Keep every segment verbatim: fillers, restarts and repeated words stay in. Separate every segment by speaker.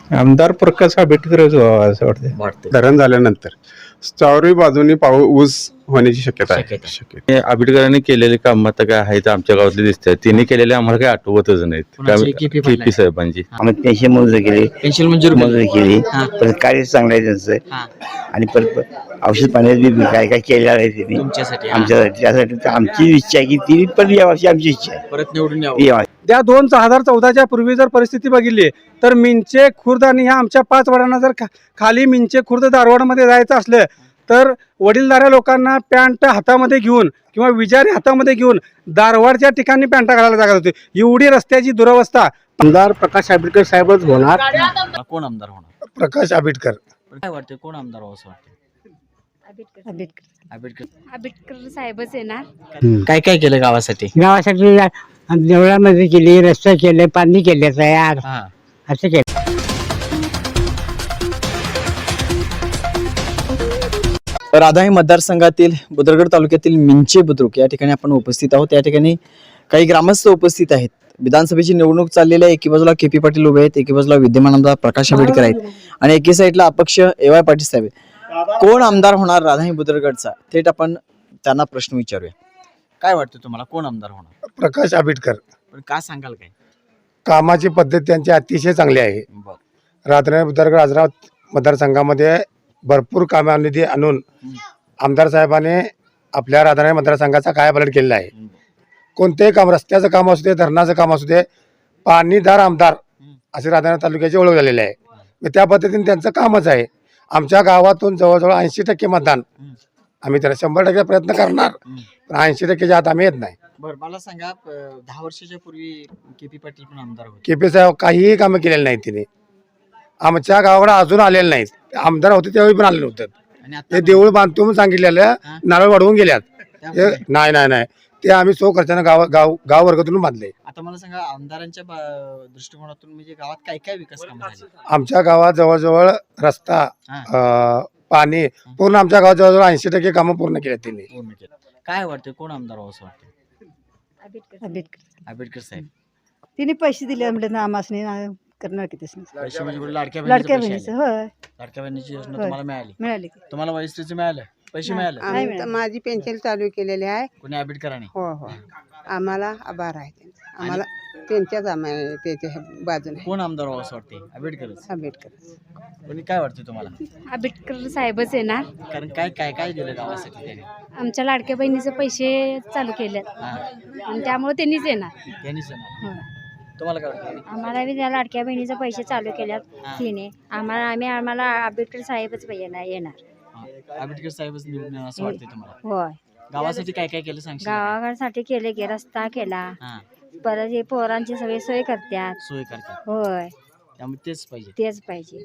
Speaker 1: आमदार प्रकाश आंबेडकरच व्हावा असं वाटतं.
Speaker 2: वाटते
Speaker 3: धरण झाल्यानंतर चारही बाजूनी पाऊस ऊस होण्याची शक्यता आहे.
Speaker 2: शक्यता.
Speaker 3: शक्यता
Speaker 4: आंबेडकरांनी केलेले काम आता काय आहेत आमच्या गावातले दिसतात. त्यांनी केलेले आम्हाला काही आठवतच नाहीत.
Speaker 2: कोणाचे? के पी पाटलांचे?
Speaker 4: के पी साहेबांची.
Speaker 5: आम्ही पेन्शन मंजूर केली,
Speaker 2: पेन्शन मंजूर
Speaker 5: मंजूर केली.
Speaker 2: हा.
Speaker 5: परत कार्य चांगलं आहे त्यांचं.
Speaker 2: हा.
Speaker 5: आणि परत औषध पाण्यात बी काय काय केलेलं आहे त्यांनी
Speaker 2: तुमच्यासाठी हा.
Speaker 5: आमच्यासाठी. त्यासाठी तर आमची इच्छा आहे की ती पण यावं अशी आमची इच्छा आहे.
Speaker 2: परत निवडून यावं.
Speaker 5: यावं.
Speaker 6: त्या दोन हजार चौदाच्या पूर्वी जर परिस्थिती बघितली तर मिंचे खुर्द आणि ह्या आमच्या पाच वडांना जर खा खाली मिंचे खुर्द धारवाडमध्ये जायचं असलं तर वडीलधाऱ्या लोकांना पॅन्ट हातामध्ये घेऊन किंवा विजारी हातामध्ये घेऊन दारवाडच्या ठिकाणी पॅन्टा घालायला जागा होती. एवढी रस्त्याची दुरवस्था.
Speaker 7: आमदार प्रकाश आंबेडकर साहेबच होणार.
Speaker 2: कोण आमदार होणार?
Speaker 3: प्रकाश आंबेडकर.
Speaker 2: काय वाटतं कोण आमदार व्हावं असं वाटतं?
Speaker 8: आंबेडकर
Speaker 2: आंबेडकर.
Speaker 8: आंबेडकर साहेबच येणार.
Speaker 2: काय काय केलं गावासाठी?
Speaker 7: गावासाठी देवळामध्ये केली, रस्ते केले, पाणी केले तयार
Speaker 2: हा.
Speaker 7: असं केलं.
Speaker 2: राधाई मतदारसंघातील बुद्रगड तालुक्यातील मिंचे बुद्रुक या ठिकाणी आपण उपस्थित आहोत. या ठिकाणी काही ग्रामस्थ उपस्थित आहेत. विधानसभेची निवडणूक चाललेली आहे. एकी बाजूला के पी पाटील उभे आहेत, एकी बाजूला विद्यमान आमदार प्रकाश आंबेडकर आहेत आणि एकी साईडला अपक्ष ए वाय पाटील साहेब आहेत. कोण आमदार होणार राधाई बुद्रगडचा? थेट आपण त्यांना प्रश्न विचारूया. काय वाटतं तुम्हाला कोण आमदार होणार?
Speaker 3: प्रकाश आंबेडकर.
Speaker 2: पण काय सांगाल काय?
Speaker 3: कामाची पद्धत त्यांची अतिशय चांगली आहे.
Speaker 2: बरं.
Speaker 3: राधानगरी बुद्रगड आजरा मतदारसंघामध्ये भरपूर कामानिधी आणून आमदार साहेबांनी आपल्या राधानगरी मतदारसंघाचा कायापालट केलेला आहे. कोणतेही काम, रस्त्याचं काम असू दे, धरणाचं काम असू दे, पाणीदार आमदार असे राधानगरी तालुक्याची ओळख झालेली आहे. मग त्या पद्धतीने त्यांचं कामच आहे. आमच्या गावातून जवळजवळ ऐंशी टक्के मतदान आम्ही त्याला शंभर टक्के प्रयत्न करणार, पण ऐंशी टक्केच्या आत आम्ही येत नाही.
Speaker 2: बरं, मला सांगा अं, दहा वर्षाच्या पूर्वी के पी पाटील पण आमदार होते.
Speaker 3: के पी साहेब काहीही कामं केलेली नाहीत. तिने आमच्या गावाकडे अजून आलेले नाहीत. आमदार होते त्यावेळी पण आले नव्हते.
Speaker 2: आणि
Speaker 3: ते
Speaker 2: आता
Speaker 3: देऊळ बांधतो म्हणून सांगितलेलं
Speaker 2: हा.
Speaker 3: नारळ वाढवून गेल्यात.
Speaker 2: त्यामुळे
Speaker 3: ते नाही नाही नाही ते आम्ही सो खर्चानं गाव गाव गाव वर्गातून बांधले.
Speaker 2: आता मला सांगा आमदारांच्या बा- दृष्टिकोनातून म्हणजे गावात काय काय विकास काम झाले?
Speaker 3: आमच्या गावात जवळजवळ रस्ता,
Speaker 2: हा.
Speaker 3: अं, पाणी पूर्ण आमच्या गावात जवळजवळ ऐंशी टक्के कामं पूर्ण केल्या त्यांनी.
Speaker 2: पूर्ण केलं. काय वाटतं कोण आमदार व्हावं असं वाटतं?
Speaker 8: आंबेडकर
Speaker 9: आंबेडकर
Speaker 2: आंबेडकर साहेब.
Speaker 9: तिने पैसे दिले म्हणजे ना आमासने ना करणार की तसं
Speaker 2: पैसे म्हणजे कुठे लाडक्या
Speaker 9: लाडक्या
Speaker 2: बहिणीचे
Speaker 9: बहिणीचं
Speaker 2: पैसे आले?
Speaker 9: होय
Speaker 2: लाडक्या बहिणीची योजना
Speaker 9: होय.
Speaker 2: तुम्हाला मिळाली?
Speaker 9: मिळाली की
Speaker 2: तुम्हाला वयस्त्रीचे मिळाले? पैसे
Speaker 9: नाही.
Speaker 2: मिळाले?
Speaker 9: नाही मिळाली.
Speaker 10: माझी पेन्शन चालू केलेली आहे.
Speaker 2: कोणी आंबेडकरांनी?
Speaker 10: हो हो आम्हाला आभार आहे त्यांचा. आम्हाला त्यांच्याच आम्हाला त्याच्या बाजूने
Speaker 2: कोण आमदार व्हावं असं वाटते? आंबेडकरच.
Speaker 10: आंबेडकर.
Speaker 2: कोणी काय वाटतं तुम्हाला?
Speaker 8: आंबेडकर साहेबच येणार.
Speaker 2: कारण काय काय काय दिलं गावासाठी त्याने?
Speaker 8: आमच्या लाडक्या बहिणीचे पैसे चालू केलेत
Speaker 2: हा.
Speaker 8: आणि त्यामुळे त्यांनीच येणार.
Speaker 2: त्यांनीच येणार.
Speaker 8: होय.
Speaker 2: तुम्हाला काय वाटतं?
Speaker 8: आम्हाला बी त्या लाडक्या बहिणीचे पैसे चालू केल्यात
Speaker 2: हा.
Speaker 8: तिने. आम्हाला आम्ही आम्हाला आंबेडकर साहेबच येणार येणार
Speaker 2: हा. आंबेडकर साहेबच निवडून येणार असं वाटतंय तुम्हाला?
Speaker 8: होय.
Speaker 2: गावासाठी काय काय केलं सांगशील?
Speaker 8: गावासाठी केले की रस्ता केला,
Speaker 2: हा.
Speaker 8: परत हे पोरांची सगळी सोय करतात.
Speaker 2: सोय करतात.
Speaker 8: होय,
Speaker 2: त्यामुळे तेच पाहिजे.
Speaker 8: तेच पाहिजे.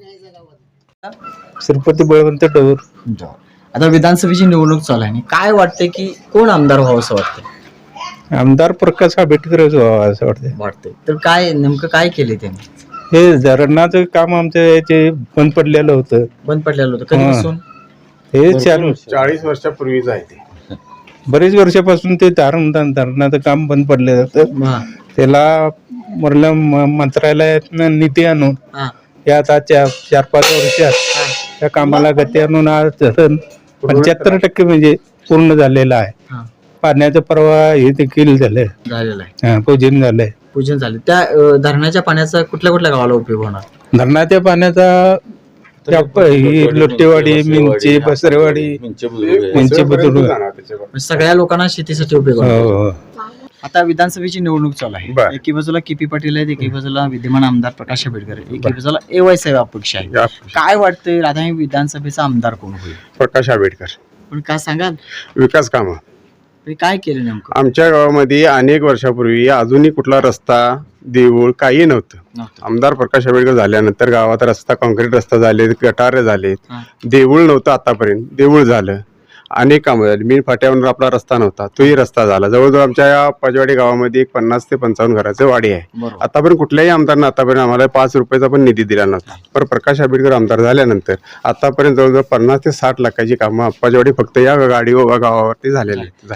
Speaker 1: श्रीपती बळवंत डोर.
Speaker 2: आता विधानसभेची निवडणूक चालू आहे. काय वाटतंय की कोण आमदार व्हावं असं वाटतंय?
Speaker 1: आमदार प्रकाश आंबेडकरच व्हावा असं वाटतं.
Speaker 2: वाटतंय. तर काय नेमकं काय केले त्यांनी?
Speaker 1: हे धरणाचं काम आमचं ते बंद पडलेलं होतं.
Speaker 2: बंद पडलेलं होतं कधीपासून?
Speaker 1: हे चार
Speaker 3: चाळीस वर्षापूर्वीच आहे ते.
Speaker 1: बरेच वर्षापासून ते धरण धरणाचं काम बंद पडलं होतं.
Speaker 2: हा.
Speaker 1: त्याला वरल्या म- मंत्रालयातनं निधी आणून
Speaker 2: हा.
Speaker 1: या आता चार चार पाच वर्षात त्या कामाला गती आणून आज धरण पंच्याहत्तर टक्के म्हणजे पूर्ण झालेलं आहे.
Speaker 2: हा.
Speaker 1: पाण्याचा प्रवाह हे देखील झालंय.
Speaker 2: झालेलं आहे.
Speaker 1: हा, पूजन झालंय.
Speaker 2: पूजन झाले. त्या अं, धरणाच्या पाण्याचा कुठल्या कुठल्या गावाला उपयोग होणार?
Speaker 1: धरणाच्या पाण्याचा त्या प- ही लोटेवाडी, मिंचे, बसरेवाडी, मिंचे बुद्रुक.
Speaker 2: म्हणजे सगळ्या लोकांना शेतीसाठी उपयोग होणार.
Speaker 1: हो, हो.
Speaker 2: आता विधानसभेची निवडणूक चालू आहे.
Speaker 3: बरं.
Speaker 2: एकी बाजूला के पी पाटील आहेत, एकी बाजूला विद्यमान आमदार प्रकाश आंबेडकर आहे, एकी बाजूला ए वाय साहेब अपक्ष आहे. काय वाटतंय राधाई विधानसभेचा आमदार कोण होईल?
Speaker 3: प्रकाश आंबेडकर.
Speaker 2: पण काय सांगाल
Speaker 3: विकास कामं
Speaker 2: म्हणजे काय केलं नेमकं?
Speaker 3: आमच्या गावामध्ये अनेक वर्षापूर्वी अजूनही कुठला रस्ता, देऊळ काही नव्हतं.
Speaker 2: नव्हतं.
Speaker 3: आमदार प्रकाश आंबेडकर झाल्यानंतर गावात रस्ता, कॉन्क्रीट रस्ता झाले, गटारे झालेत.
Speaker 2: हा.
Speaker 3: देऊळ नव्हतं आतापर्यंत, देऊळ झालं. अनेक कामं झाली. मीन फाट्यावर आपला रस्ता नव्हता, तोही रस्ता झाला. जवळजवळ आमच्या या पजवाडी गावामध्ये एक पन्नास ते पंचावन्न घराचं वाडी आहे.
Speaker 2: बरोबर.
Speaker 3: आतापर्यंत कुठल्याही आमदारनं आतापर्यंत आम्हाला पाच रुपयाचा पण निधी दिला नव्हता. पण प्रकाश आंबेडकर आमदार झाल्यानंतर आतापर्यंत जवळजवळ पन्नास ते साठ लाखाची कामं पजवाडी फक्त या गाडी व गावावरती झालेली आहेत. झाली.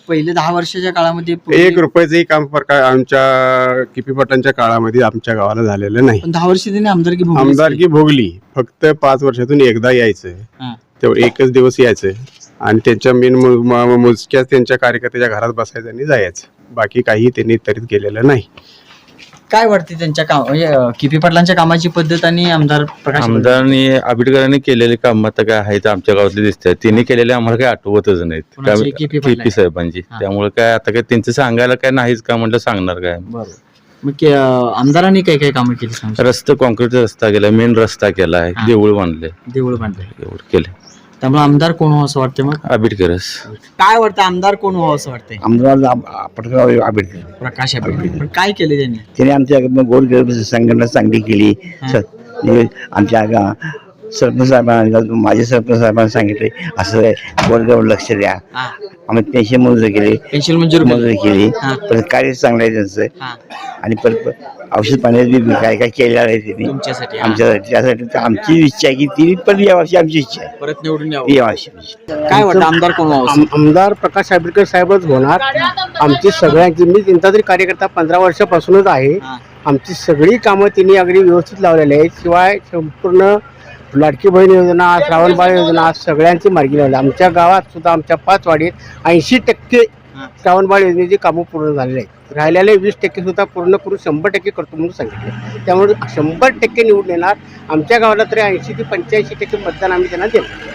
Speaker 2: पहिले दहा वर्षाच्या काळामध्ये पूर्वी-
Speaker 11: एक रुपयाचंही काम प्रकार आमच्या किपी पटांच्या काळामध्ये आमच्या गावाला झालेलं नाही.
Speaker 2: पण दहा वर्ष त्यांनी आमदारकी भोगली असती.
Speaker 11: आमदारकी भोगली, फक्त पाच वर्षातून एकदा यायचं,
Speaker 2: हा.
Speaker 11: तेवढं एकच दिवस यायचं आणि त्यांच्या मेन मोजक्याच त्यांच्या कार्यकर्त्याच्या घरात बसायचं आणि जायचं, बाकी काही त्यांनी तरीत केलेलं नाही.
Speaker 2: काय वाटते त्यांच्या काम म्हणजे अं, किपी पाटलांच्या कामाची पद्धत आणि आमदार प्रकाश
Speaker 4: आमदारांनी आंबेडकरांनी केलेली कामं तर काय आहेत आमच्या गावातली दिसतात. त्यांनी केलेले आम्हाला काही आठवतच नाहीत.
Speaker 2: कोणाची?
Speaker 4: काय-
Speaker 2: के पी पाटलांची?
Speaker 4: के पी साहेबांची.
Speaker 2: हा.
Speaker 4: त्यामुळे काय आता काय त्यांचं सांगायला काय नाहीच का म्हटलं सांगणार काय.
Speaker 2: बरोबर. मग के- अं, आमदारांनी काय काय कामं केली सांगू शकता?
Speaker 4: रस्ता कॉन्क्रीट रस्ता केला, मेन रस्ता केलाय,
Speaker 2: हा.
Speaker 4: देऊळ बांधले,
Speaker 2: देऊळ बांधले.
Speaker 4: एवढं केले.
Speaker 2: त्यामुळे आमदार कोण व्हावं असं वाटतं? मग
Speaker 4: आंबेडकरच.
Speaker 2: काय वाटतं आमदार कोण व्हावं असं वाटतंय?
Speaker 5: आमदार पटकन आंबेडकर
Speaker 2: प्रकाश आंबेडकर. पण काय केले त्यांनी?
Speaker 5: त्याने आमच्या गोरगरीब संघटना चांगली केली. स- म्हणजे आमच्या गा- सरपंच साहेबांना माझे सरपंच साहेबांना सांगितले असं गोरगरीब लक्ष द्या.
Speaker 2: हा.
Speaker 5: आम्ही पेन्शन मंजूर केली,
Speaker 2: पेन्शन मंजूर केली.
Speaker 5: मंजूर केली.
Speaker 2: हा.
Speaker 5: परत कार्य चांगलं आहे त्यांचं
Speaker 2: हा.
Speaker 5: आणि परत औषध पाण्यात बी काय काय केलेलं आहे त्यांनी
Speaker 2: तुमच्यासाठी हा.
Speaker 5: आमच्यासाठी. त्यासाठी तर आमची इच्छा आहे की ती पण यावर्षी आमची इच्छा आहे
Speaker 2: परत निवडून यावं.
Speaker 5: ती यावर्षी.
Speaker 2: काय वाटतं आमदार कोण व्हावं असं?
Speaker 6: आमदार प्रकाश आंबेडकर साहेबच होणार. आमची सगळ्यांची, मी त्यांचा तरी कार्यकर्ता पंधरा वर्षापासूनच आहे.
Speaker 2: हा.
Speaker 6: आमची सगळी कामं त्यांनी अगदी व्यवस्थित लावलेली आहेत. शिवाय संपूर्ण लाडकी बहीण योजना, श्रावणबाळ योजना सगळ्यांची मार्गी लावली. आमच्या गावात सुद्धा आमच्या पाच वाडीत ऐंशी टक्के
Speaker 2: हा.
Speaker 6: श्रावणबाळ योजनेची कामं पूर्ण झालेली आहेत. राहिलेले वीस टक्के सुद्धा पूर्ण करून शंभर टक्के करतो म्हणून सांगितले. त्यामुळे शंभर टक्के निवडून येणार. आमच्या गावाला तरी ऐंशी ते पंच्याऐंशी टक्के मतदान आम्ही त्यांना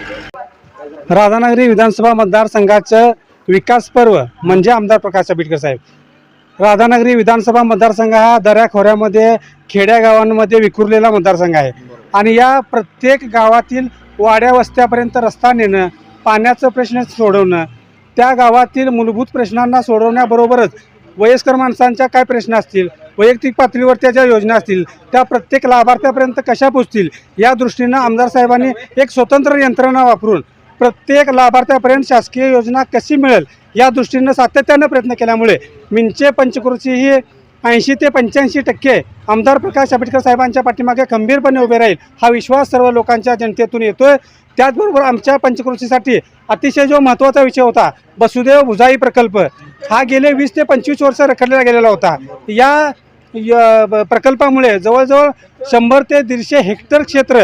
Speaker 6: देऊ. राधानगरी विधानसभा मतदारसंघाचं विकास पर्व म्हणजे आमदार प्रकाश आंबेडकर साहेब. राधानगरी विधानसभा मतदारसंघ हा दऱ्याखोऱ्यामध्ये खेड्या गावांमध्ये विखुरलेला मतदारसंघ आहे आणि या प्रत्येक गावातील वाड्या वस्त्यापर्यंत रस्ता नेणं, पाण्याचं प्रश्न सोडवणं, त्या गावातील मूलभूत प्रश्नांना सोडवण्याबरोबरच वयस्कर माणसांच्या काय प्रश्न असतील, वैयक्तिक पातळीवर ज्या योजना असतील त्या प्रत्येक लाभार्थ्यापर्यंत कशा पोचतील या दृष्टीनं आमदार साहेबांनी एक स्वतंत्र यंत्रणा वापरून प्रत्येक लाभार्थ्यापर्यंत शासकीय योजना कशी मिळेल या दृष्टीनं सातत्यानं प्रयत्न केल्यामुळे मिंचे पंचक्रोशी ही ऐंशी ते पंच्याऐंशी टक्के आमदार प्रकाश आंबेडकर साहेबांच्या पाठीमागे खंबीरपणे उभे राहील हा विश्वास सर्व लोकांच्या जनतेतून येतोय. त्याचबरोबर आमच्या पंचक्रोशीसाठी अतिशय जो महत्त्वाचा विषय होता वसुदेव भुजाई प्रकल्प, हा गेले वीस ते पंचवीस वर्ष रखडलेला गेलेला होता. या य- ब- प्रकल्पामुळे जवळजवळ शंभर ते दीडशे हेक्टर क्षेत्र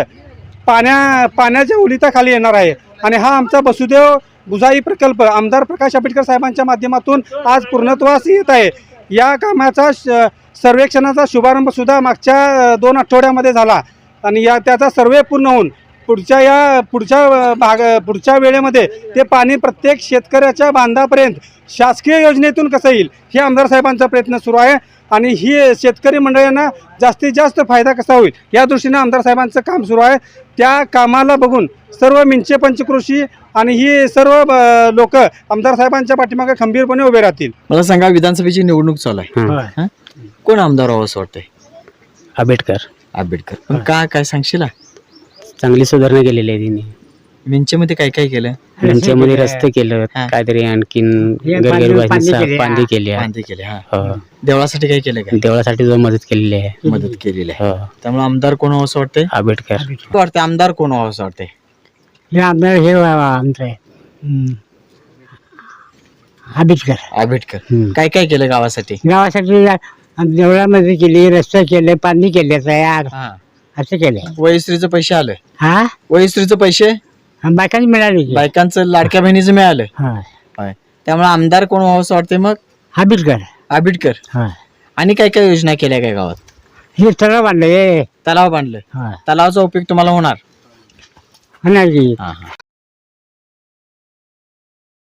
Speaker 6: पाण्या पाण्याच्या उलिताखाली येणार आहे आणि हा आमचा वसुदेव भुजाई प्रकल्प आमदार प्रकाश आंबेडकर साहेबांच्या माध्यमातून आज पूर्णत्वास येत आहे. या कामाचा श- सर्वेक्षणाचा शुभारंभ सुद्धा मागच्या अ, दोन आठवड्यामध्ये झाला आणि या त्याचा सर्वे पूर्ण होऊन पुढच्या या पुढच्या अ, भाग पुढच्या वेळेमध्ये ते पाणी प्रत्येक शेतकऱ्याच्या बांधापर्यंत शासकीय योजनेतून कसं येईल हे आमदार साहेबांचा प्रयत्न सुरू आहे आणि ही शेतकरी मंडळींना जास्तीत जास्त फायदा कसा होईल या दृष्टीनं आमदार साहेबांचं काम सुरू आहे. त्या कामाला बघून सर्व मिंचे पंचक्रोशी आणि ही सर्व लोक आमदार साहेबांच्या पाठीमागे खंबीरपणे उभे राहतील.
Speaker 2: मला सांगा विधानसभेची निवडणूक चालू आहे. हा? कोण आमदार व्हावं असं वाटतंय?
Speaker 7: आंबेडकर
Speaker 2: आंबेडकर. पण का काय सांगशील?
Speaker 7: चांगली सुधारणा केलेली आहे तिने.
Speaker 2: मिंचेमध्ये काय काय केलं?
Speaker 7: त्यांच्यामध्ये रस्ते केलं,
Speaker 2: हा.
Speaker 7: काहीतरी आणखीन गरगरबाईंनी पांदी केली आहे.
Speaker 2: बांधे केले. हा.
Speaker 7: हो.
Speaker 2: देवळासाठी काय केलं का?
Speaker 7: देवळासाठी जो मदत केलेली आहे.
Speaker 2: मदत केलेली आहे.
Speaker 7: हो.
Speaker 2: त्यामुळे आमदार कोण व्हावं असं वाटतंय?
Speaker 7: आंबेडकर.
Speaker 2: वाटतं आमदार कोण व्हावं असं वाटतंय?
Speaker 7: हे आमदार हे आमचं आहे हम्म. आंबेडकर.
Speaker 2: आंबेडकर.
Speaker 7: हम्म.
Speaker 2: काय काय केलं गावासाठी?
Speaker 7: गावासाठी देवळामध्ये केली, रस्ते केले, पाणी केले तयार
Speaker 2: हा.
Speaker 7: असं केलंय.
Speaker 2: वयस्त्रीचं पैसे आलं?
Speaker 7: हा
Speaker 2: वयस्त्रीचं पैसे
Speaker 7: बायकांनी मिळाली की.
Speaker 2: बायकांचं लाडक्या बहिणीचं मिळालं.
Speaker 7: हा.
Speaker 2: होय. त्यामुळे आमदार कोण व्हावं असं वाटतंय मग?
Speaker 7: आंबेडकर.
Speaker 2: आंबेडकर.
Speaker 7: हा.
Speaker 2: आणि काय काय योजना केल्या काय गावात?
Speaker 7: हे सगळं बांधलं हे
Speaker 2: तलाव बांधलं.
Speaker 7: हा.
Speaker 2: तलावाचा उपयोग तुम्हाला होणार?
Speaker 7: होणार की.
Speaker 2: हा, हा.